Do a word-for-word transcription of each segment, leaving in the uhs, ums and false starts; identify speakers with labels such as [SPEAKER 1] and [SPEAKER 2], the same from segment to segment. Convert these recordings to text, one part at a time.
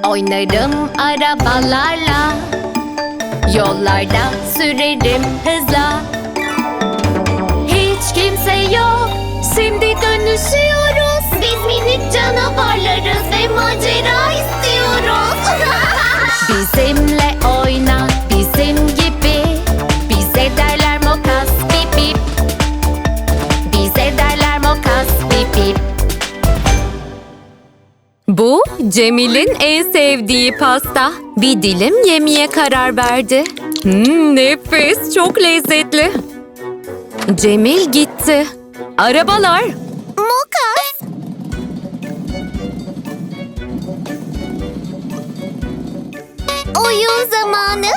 [SPEAKER 1] Oynarım arabalarla, yollarda sürerim hızla. Hiç kimse yok, şimdi dönüşüyoruz. Biz minik canavarlarız ve macera istiyoruz. Bizimle oyna, bizim gibi. Bize derler Mokas bip bip. Bize derler Mokas bip bip.
[SPEAKER 2] Bu Cemil'in en sevdiği pasta. Bir dilim yemeye karar verdi. Hmm, nefis, çok lezzetli. Cemil gitti. Arabalar.
[SPEAKER 1] Mokas. Oyun zamanı.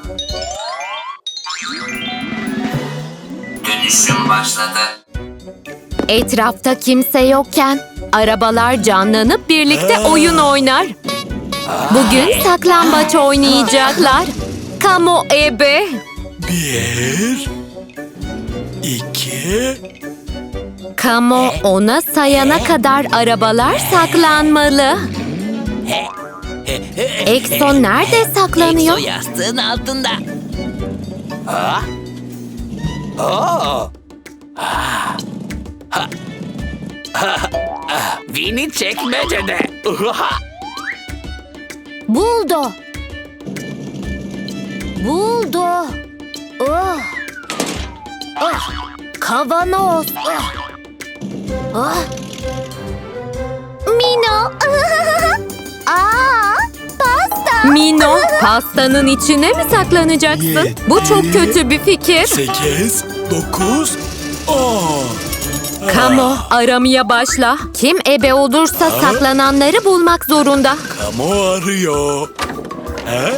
[SPEAKER 3] Dönüşüm başladı.
[SPEAKER 2] Etrafta kimse yokken arabalar canlanıp birlikte oyun oynar. Bugün saklambaç oynayacaklar. Kamo ebe.
[SPEAKER 4] Bir, iki,
[SPEAKER 2] Kamo ona sayana kadar arabalar saklanmalı. Ekson nerede saklanıyor?
[SPEAKER 3] Ekso yastığın altında. Ha? Oo. Ha. Ha. Ha. Ha. Vini çekmecede. Uha.
[SPEAKER 1] Buldu. Buldu. Oh. Ah. Kavanoz. Ah. Ah. Mino. Aa, pasta.
[SPEAKER 2] Mino, pastanın içine mi saklanacaksın? Bu çok kötü bir fikir.
[SPEAKER 4] sekiz, dokuz, on.
[SPEAKER 2] Kamo, aramaya başla. Kim ebe olursa saklananları bulmak zorunda.
[SPEAKER 4] Kamu arıyor. He?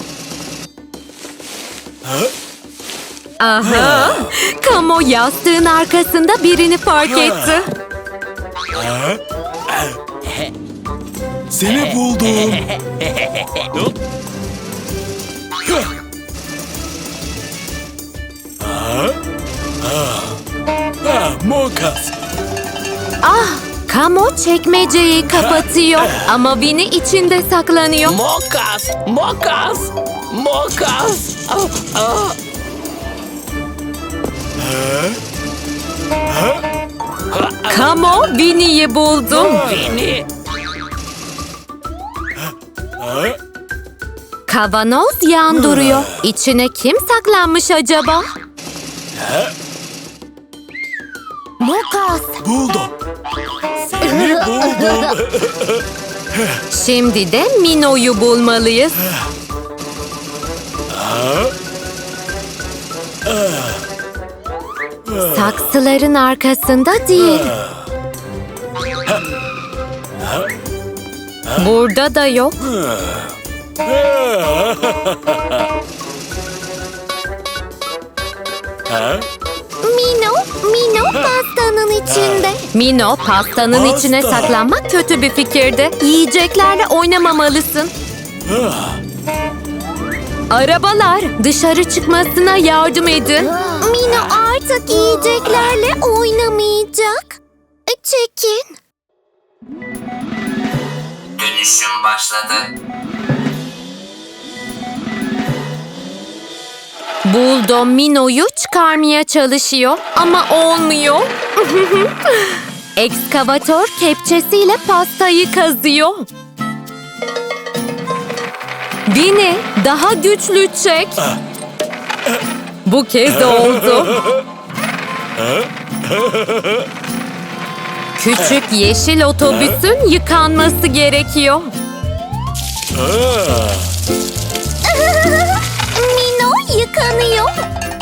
[SPEAKER 2] Aha! Kamo yastığın arkasında birini fark etti.
[SPEAKER 4] He? Seni buldum. Ha? Ha. Ha, Mokas.
[SPEAKER 2] Ah! Kamo çekmeceyi kapatıyor ama Winnie içinde saklanıyor.
[SPEAKER 3] Mokas. Mokas. Mokas. Ah, ah.
[SPEAKER 2] Kamo Winnie'yi buldu.
[SPEAKER 3] Vini.
[SPEAKER 2] Kavanoz yan duruyor. İçine kim saklanmış acaba?
[SPEAKER 1] Mokas.
[SPEAKER 4] Buldum. Seni buldum.
[SPEAKER 2] Şimdi de Mino'yu bulmalıyız. Saksıların arkasında değil. Burada da yok.
[SPEAKER 1] Mino, Mino pastanın içinde.
[SPEAKER 2] Mino, pastanın
[SPEAKER 4] Pasta.
[SPEAKER 2] içine saklanmak kötü bir fikirdi. Yiyeceklerle oynamamalısın. Arabalar, dışarı çıkmasına yardım edin.
[SPEAKER 1] Mino artık yiyeceklerle oynamayacak. Çekin.
[SPEAKER 3] Dönüşüm başladı.
[SPEAKER 2] Buldo Mino'yu çıkarmaya çalışıyor ama olmuyor. Ekskavatör kepçesiyle pastayı kazıyor. Winnie, daha güçlü çek. Bu kez oldu. Küçük yeşil otobüsün yıkanması gerekiyor.
[SPEAKER 1] Mino yıkanıyor.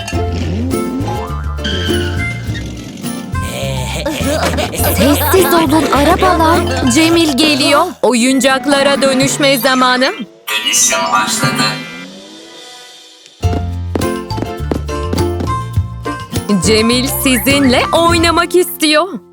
[SPEAKER 2] Sessiz olun arabalar. Cemil geliyor. Oyuncaklara dönüşme zamanı.
[SPEAKER 3] Dönüşüm başladı.
[SPEAKER 2] Cemil sizinle oynamak istiyor.